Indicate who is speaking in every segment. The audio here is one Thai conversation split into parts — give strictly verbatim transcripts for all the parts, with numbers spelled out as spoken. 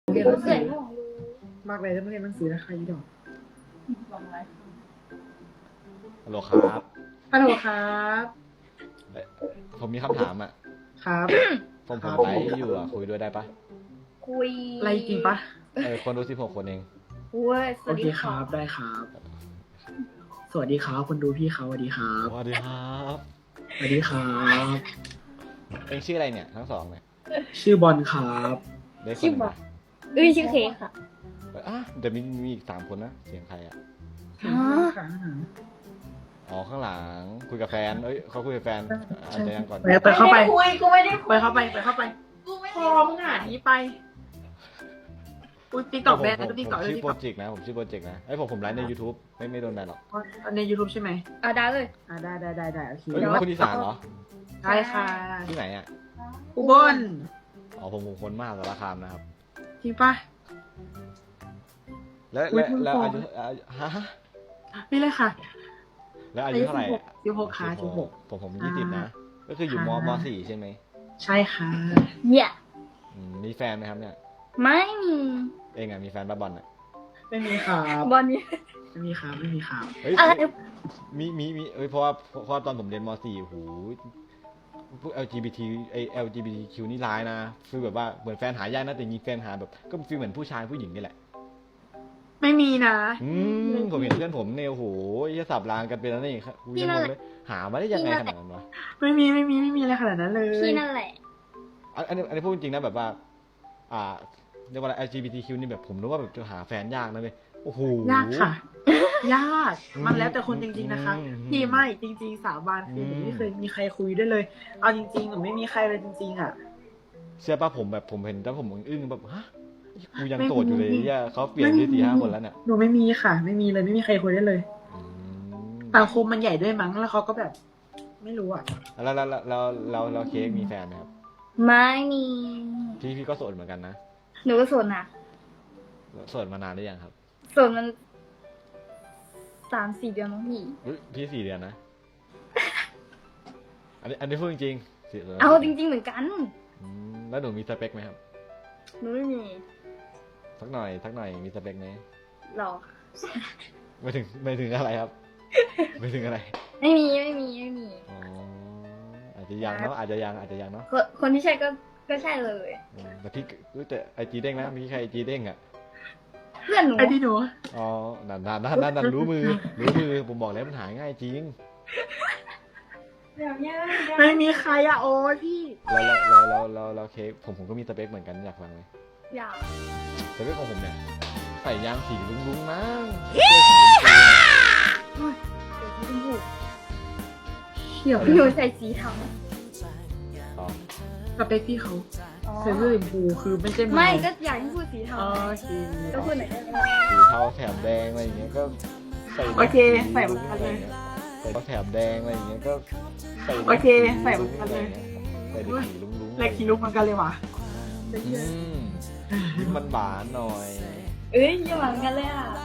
Speaker 1: เรียนหนังสือมากเลยถ้าไม่เรียนหนังสือนะใครยี่ดอก
Speaker 2: ฮัลโหลครับ
Speaker 1: ฮัลโหลครับ
Speaker 2: ผมมีคำถามอ่ะ
Speaker 1: ครับ
Speaker 2: ผมผมไลฟ์อยู่อ่ะคุยด้วยได้ปะ
Speaker 3: คุย
Speaker 1: ไรจริงปะ
Speaker 2: เออคนดูสิบหกคนเอง
Speaker 1: โอเคครับได้ครับสวัสดีครับคนดูพี่เขาสวัสดีครับ
Speaker 2: สวัสดีครับ
Speaker 1: สวัสดีครับ
Speaker 2: เองชื่ออะไรเนี่ยทั้งสองเนี่ย
Speaker 1: ชื่อบอลครับ
Speaker 3: ชื่อบอลเอ้ยชื่อเคค่ะ
Speaker 2: อ่ะเดี๋ยวมีมีอีกสามคนนะเสียงใครอ่ะอ๋อข้างหลังคุยกับแฟนเอ้ยเขาคุยกับแฟนอาจจะยังก่อน
Speaker 1: ไปเข้าไป
Speaker 3: คุยกูไม่ได้
Speaker 1: ไปเข้าไปไปเข้าไปพอมึงหานี้ไปอุ้ยติ๊กต็อกแบนนะติ๊กต็อกเลย
Speaker 2: ชื่อโปรเจกต์นะผมชื่อโปรเจกต์นะไอ้ผมผมไลฟ์ใน YouTube ไม่ไม่โดนแบนหรอก
Speaker 1: ใน YouTube ใช่ไหม
Speaker 3: อ่ะได้เลย
Speaker 1: อ่ะได้ได้ได้ได้โอเค
Speaker 2: เฮ้ยคนอีสานเหรอ
Speaker 1: ใช่ค่ะ
Speaker 2: ที่ไหนอ่ะ
Speaker 1: อุบล
Speaker 2: อ๋อผมผมคนมากสารคามนะครับ
Speaker 1: จริงปะ
Speaker 2: แล้วแล้วแล้วอายุฮะ
Speaker 1: ไม่เลยค่ะ
Speaker 2: แล้วอายุเท่าไหร่
Speaker 1: สิบหกค่ะสิบหก
Speaker 2: ผมผมยี่สิบนะก็คืออยู่มมสี่ใช่ไหม
Speaker 1: ใช่ค่ะ
Speaker 3: เนี่ย
Speaker 2: มีแฟนไหมครับเนี่ย
Speaker 3: ไม่มี
Speaker 2: เองอ่ะมีแฟนบ้าบอลอ่ะ
Speaker 1: ไม่มีครับ
Speaker 3: บอลนี้
Speaker 1: ไม่มีครับไม่มีครับ
Speaker 3: อะไร
Speaker 2: มีมีมีเอ้ยเพราะว่าเพราะตอนผมเรียนมสี่โหพวก แอล จี บี ที ไอ แอล จี บี ที คิว นี่ร้ายนะคือแบบว่าเหมือนแฟนหายากนะแต่มีแฟนหาแบบก็ฟีลเหมือนผู้ชายผู้หญิงนี่แหละ
Speaker 1: ไม่มีนะ
Speaker 2: อืมผมเห็นเพื่อนผมเนี่ยโหจะสับรางกันไปแล้วนี่กูยังงงเลยหามาได้ยังไงขนาดนั้นวะ
Speaker 1: ไม่มีไม่มีไม่มีอะไรขนาดนั้นเลย
Speaker 3: พี่นั่นแหละ
Speaker 2: อันนี้อันนี้พูดจริงนะแบบว่าอ่าเรียกว่าอะไร แอล จี บี ที คิว นี่แบบผมรู้ว่าแบบจะหาแฟนยากนะเลยโอ้โห
Speaker 1: ยากค่ะยากมันแล้วแต่คนจริงๆนะคะพี่ไม่จริงๆสาบานคือผมไม่เคยมีใครคุยได้เลยเอาจริงๆผมไม่มีใครเลยจริงๆอ่ะ
Speaker 2: เชื่อป่ะผมแบบผมเห็นแล้วผมอึ้งแบบฮะกูยังโสดอยู่เลยเนี่ยเขาเปลี่ยนที่สี่ห้าคนแล้วเนี่ย
Speaker 1: หนูไม่มีค่ะ ไม่มีเลยไม่มีใครคุยได้เลยสังคมมันใหญ่ด้วยมั้งแล้วเขาก็แบบ ไม่รู้อ่ะ
Speaker 2: แล้วแล้วแล้วแล้วแล้วเค้กมีแฟนไหมครับ
Speaker 3: ไม่มี
Speaker 2: พี่พี่ก็โสดเหมือนกันนะ
Speaker 3: หนูก็โสดนะ
Speaker 2: โสดมานานหรือยังครับ
Speaker 3: โสดมันสามสี่เดือนมั้งพี่
Speaker 2: พี่สี่เดือนนะอันนี้อันนี้พูดจริงๆ
Speaker 3: เอาจริงๆเหมือนกัน
Speaker 2: แล้วหนูมีสเปคไหมครับ
Speaker 3: หนูไม่มี
Speaker 2: สักหน่อยสักหน่อยมีสเปคไหม
Speaker 3: หรอ
Speaker 2: ไม่ถึงไม่ถึงอะไรครับไม่ถึงอะไร
Speaker 3: ไม่มีไม่มีไม่มี
Speaker 2: อ๋ออาจจะยังเนาะอาจจะยังอาจจะยังเนาะ
Speaker 3: คนที่ใช่ก็ก็ใช่เลย
Speaker 2: แต่พี่แต่ไอจีเด้งนะมีใครไอจีเด้งอ่ะ
Speaker 3: เพื่อนหนู
Speaker 1: ไอจีหนู
Speaker 2: อ๋อนั่นนั่นนั่นนั่นรู้มือรู้มือผมบอกแล้วมันหายง่ายจริง
Speaker 1: ไม่มีใครอะโอ้ยพี่
Speaker 2: เราเราเราเราเราเค้กผมผมก็มีสเปคเหมือนกันอยากฟังไหม
Speaker 3: อยาก
Speaker 2: สเปคของผมเนี่ยใส่ยางสีลุ้งๆนะ
Speaker 3: เดี๋ยวหนูใส่สีเทา
Speaker 1: สเปคพี่เขาใส่เสื้อสีชมพูคือไม่ใช่
Speaker 3: ไม่ก็อยากให้พูดสีเทาก็พูดไหน
Speaker 2: สีเทาแถบแดงอะไรอย่างเงี้ยก็ใส่
Speaker 1: โอเคใส่เหมือนกันเลย
Speaker 2: ใส่แถบแดงอะไรอย่างเงี้ยก็ใส่
Speaker 1: โอเคใส่เหมือนกันเลย
Speaker 2: ใส่สีลุ้งๆ
Speaker 1: เล็กสีลุ้งเหมือนกันเลยว่ะ
Speaker 2: ยิ้มมันหวานหน่อย
Speaker 3: เอ้ยยิ้มหวานกันเลยอ่ะ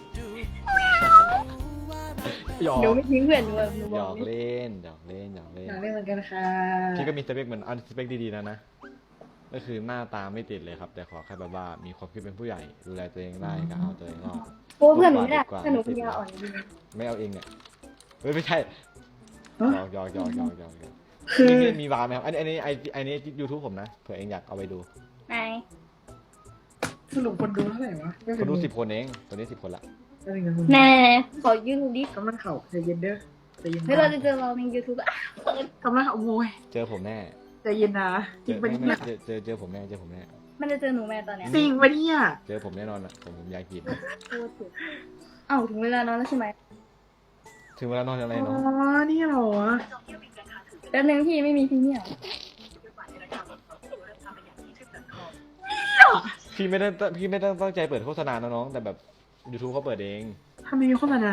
Speaker 3: หนูไม่ทิ้งเพื่อนหนูแบบ
Speaker 2: หยอกเล่นหยอกเล่นหยอกเล่น
Speaker 1: หยอกเล่นเหมือนกันค่ะ
Speaker 2: พี่ก็มีสเปคเหมือนอันสเปคดีๆนะนะก็คือหน้าตาไม่ติดเลยครับแต่ขอแค่แบบว่ามีความคิดเป็นผู้ใหญ่ดูแลตัวเองได้ก็เอาตัวเองรอด
Speaker 3: โอ้เพื่อนหนูไม่ได้เพื่อนหนูปัญญาอ่อนจริง
Speaker 2: ไม่เอาเองเนี่ยเฮ้ยไม่ใช่หยอกหยอกหยอกหยอกหยอก
Speaker 1: คือ
Speaker 2: มีวาร์ไหมครับอันนี้อันนี้ไออันนี้ยูทูบผมนะเผื่อเองอยากเอาไปดู
Speaker 3: ไหน
Speaker 1: สรุปคนดูเท่าไหร่วะ
Speaker 2: คนดูสิบคนเองตัวนี้สิบคนละ
Speaker 3: แน่ขอยืนดูดิ
Speaker 1: กำลังเข่าใจเย็นเด้อใจเย็น
Speaker 3: เฮ้ยเราจะเจอเราในยูทูบอ่ะ
Speaker 1: กำลังโวย
Speaker 2: เจอผมแน่
Speaker 1: ใจเย็นนะจริงปะเนี่ย
Speaker 2: เจอเจอเจอผมแน่เจอผมแน่
Speaker 3: มันจะเจอหนูแม่ตอนเนี้ย
Speaker 1: จริงปะเนี่ย
Speaker 2: เจอผมแน่นอนอ่ะผมผมอยากกิน
Speaker 3: เอ้าถึงเวลานอนแล้วใช่ไหม
Speaker 2: ถึงเวลานอนอะไรเนาะ
Speaker 1: อ๋อนี่เหรอ
Speaker 3: แล้วนึงพี่ไม่มีพี่เนี่ย
Speaker 2: พี่ไม่ได้พี่ไม่ได้ตั้งใจเปิดโฆษณานะน้องแต่แบบ YouTube เขาเปิดเอง
Speaker 1: ทำไมมีโฆษณา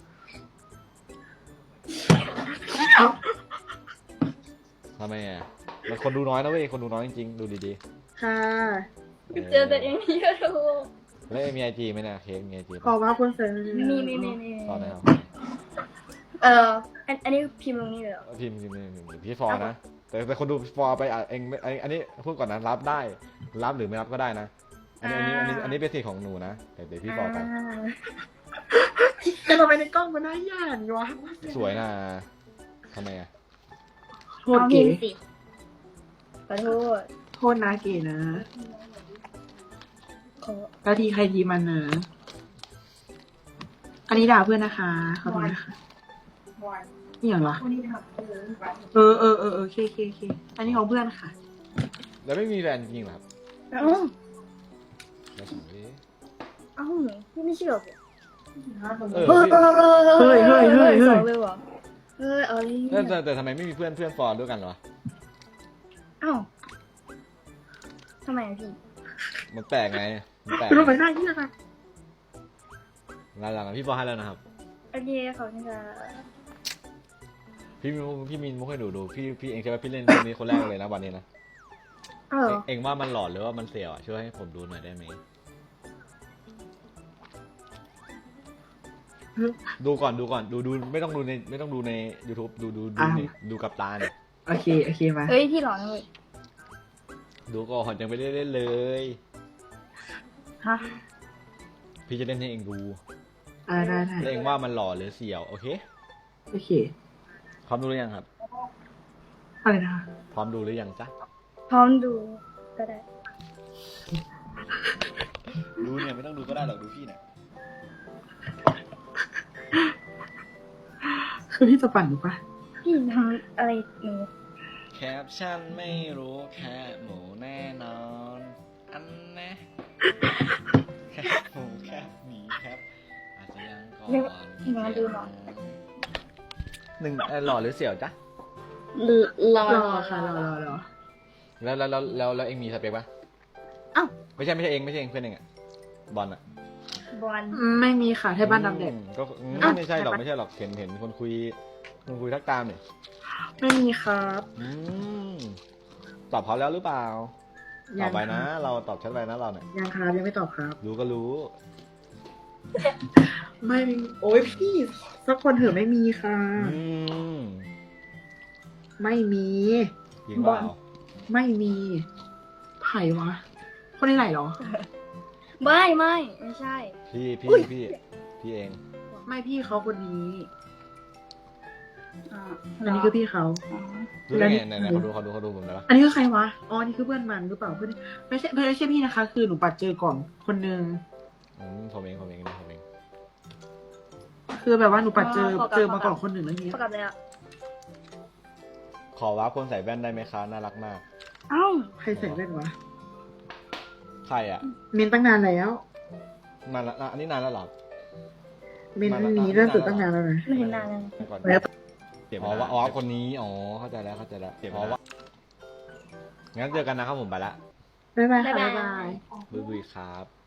Speaker 2: ทำไมอ่ะมันคนดูน้อยนะเว้ยคนดูน้อยจริงๆดูดี
Speaker 1: ๆค่ะ
Speaker 3: เจอแต่เองที่ยูทูบ
Speaker 2: แล้วมีไอจีไหมนะเค้กมีไอจี
Speaker 1: ขอว่าคนเสริม
Speaker 3: มีมีมีมี
Speaker 2: ตอนไหนครับ
Speaker 3: เอออันนี้พิมพ์ลงนี่เลย
Speaker 2: พิมพ์พิมพ์พิมพ์พี่ฟอร์นะแต่แต่คนดูฟอร์ไปอ่ะเองอันนี้พูดก่อนนะรับได้รับหรือไม่รับก็ได้นะอันนี้อันนี้อันนี้อันนี้เป็นสิทธิ์ของหนูนะแต่เดี๋ยวพี่บอกกัน
Speaker 3: อ่า
Speaker 1: แต่เราไปในกล้องมันน่าหยาดวะ
Speaker 2: สวยนะทำไมอ่ะ
Speaker 1: โทษ
Speaker 3: เอา
Speaker 1: เก๋
Speaker 3: พิมพ์สิขอโทษ
Speaker 1: โทษนะเก๋นะ
Speaker 3: ขอ
Speaker 1: แล้วทีใครทีมันนะอันนี้ด่าเพื่อนนะคะขอโทษนะคะนี่อย่างวะเออเออเออเออเคเคเคอันนี้ของเพื่อนค่ะ
Speaker 2: แล้วไม่มีแฟนจริงเหรอครับ
Speaker 3: เอ้า
Speaker 2: ไม่ใช่ดิ
Speaker 3: เอ้าพี่ไม่เชื่อผม
Speaker 2: เออ
Speaker 3: เฮ้ย
Speaker 2: พี่
Speaker 3: เฮ้ย
Speaker 1: เฮ้ยเฮ้ยเฮ้ยเฮ้ย
Speaker 3: สองเลยเหรอเฮ้ยเอาเลย
Speaker 2: แต่แต่แต่ทำไมไม่มีเพื่อนเพื่อนฟอร์ด้วยกันเหรอ
Speaker 3: เอ้าทำไมอะพี่
Speaker 2: มันแปลกไงมันแปลก
Speaker 1: คือเราไปหน้าเหี้ยค่ะ
Speaker 2: หลังๆพี่ฟอร์ให้แล้วนะครับ
Speaker 3: โอเคขอบคุณค่ะ
Speaker 2: พี่มินพี่มินมุกให้ดูดูพี่พี่เองใช่ไหมพี่เล่นเรื่องนี้คนแรกเลยนะวันนี้นะ
Speaker 3: เอ้า
Speaker 2: เองเองว่ามันหลอนหรือว่ามันเสียวอ่ะช่วยให้ผมดูหน่อยได้ไหมดูก่อนดูก่อนดูดูไม่ต้องดูในไม่ต้องดูใน YouTube ดูดูดูนี่ดูกับตาเนี่ย
Speaker 1: โอเคโอเคมา
Speaker 3: เฮ้ยพี่หลอนเลย
Speaker 2: ดูก่อนยังไม่ได้เล่นเลย
Speaker 1: ฮะ
Speaker 2: พี่จะเล่นให้เองดู
Speaker 1: อ่าได้ได้
Speaker 2: แล้วเองว่ามันหล่อหรือเสียวโอเค
Speaker 1: โอเค
Speaker 2: พร้อมดูหรือยังครับ
Speaker 1: อะไรนะคะ
Speaker 2: พร้อมดูหรือยังจ๊ะ
Speaker 3: พร้อมดูก็ได้
Speaker 2: ดูเนี่ยไม่ต้องดูก็ได้หรอกดูพี่เนี่ย
Speaker 1: คือพี่จะปั่นหรือปะ
Speaker 3: พี่ทำอะไรหนู
Speaker 2: แคปชั่นไม่รู้แค่หมูแน่นอน อันแนะแคปหมูแคปหมีแคปอาจจะยังก่อน
Speaker 3: เรียกมาดูหน่อย
Speaker 2: หนึ่งเอ่อหล่อหรือเสี่ยวจ๊ะ
Speaker 3: รอ
Speaker 1: รอค่ะรอรอรอ
Speaker 2: แล้วแล้วแล้วแล้วแล้วเองมีสเปคปะ
Speaker 1: อ้าว
Speaker 2: ไม่ใช่ไม่ใช่เองไม่ใช่เองเพื่อนเองอะบอลอะ
Speaker 3: บอล
Speaker 1: ไม่มีค่ะให้บ้านดำเด็ก
Speaker 2: อืมก็อืม
Speaker 1: อ่ะ
Speaker 2: ไม่ใช่หรอก
Speaker 1: ไป
Speaker 2: ไม่ใช่หรอกเห็นเห็นคนคุยคนคุยทักตามเนี่ย
Speaker 1: ไม่มีครับ
Speaker 2: อืมตอบเขาแล้วหรือเปล่าต
Speaker 1: ยั
Speaker 2: อบ
Speaker 1: ง
Speaker 2: ไปนะ
Speaker 1: ครับ
Speaker 2: เราตอบชัดไปนะเราเนี่ย
Speaker 1: ยังครับยังไม่ตอบครับ
Speaker 2: รู้ก็รู้
Speaker 1: ไม่มีโอ้ยพี่สักคนเถอะไม่มีค่ะ
Speaker 2: อืม
Speaker 1: ไม่มี
Speaker 2: จริงเปล่า
Speaker 1: ไม่มีไผ่วะ คนนี้ไหนเหรอ
Speaker 3: ไม่ไม่ไม่ใช่
Speaker 2: พี่พี่พี่พี่เอง
Speaker 1: ไม่พี่เขาคนนี้
Speaker 3: อ่า
Speaker 1: อันนี้คือพี่เขา
Speaker 3: อ๋อ
Speaker 2: รู้ได้ไง
Speaker 1: แล้วนี่
Speaker 2: ไหนไหนเขาดูเขาดูเขาดูผมได้ปะ
Speaker 1: อันนี้คือใครวะ อ๋อ นี่คือเพื่อนมันหรือเปล่าเพื่อนไม่ใช่ไม่ใช่พี่นะคะ คือหนูปัดเจอก่อนคนนึง
Speaker 2: อืมผมเองผมเองนี่ผมเอง
Speaker 1: คือแบบว่าหนูปัดเจอเจอมาก่อนคนหนึ่งแล้วนี้
Speaker 3: ประกาศเลยอ่ะ
Speaker 2: ขอว่าคนใส่แว่นได้ไหมคะน่ารักมาก
Speaker 3: เอ้า
Speaker 1: ใครใส่แว่นวะ
Speaker 2: ใครอ่ะ
Speaker 1: เมนตั้งนานแล้ว
Speaker 2: นานละอันนี้นานแล้วเหรอ
Speaker 1: เมนนี้เริ่มตื่นตั้งนานแล้วนะ
Speaker 3: ไม่เห็นนานเลย
Speaker 2: ก่อน
Speaker 1: แล้ว
Speaker 2: อ๋อว่าอ๋อคนนี้อ๋อเข้าใจแล้วเข้าใจแล้วอ๋อว่างั้นเจอกันนะครับผมไปละ
Speaker 1: บ๊ายบายค่ะ
Speaker 3: บ๊า
Speaker 1: บ๊าย ย
Speaker 3: บา
Speaker 1: บาย ย
Speaker 2: บุยบุยครับ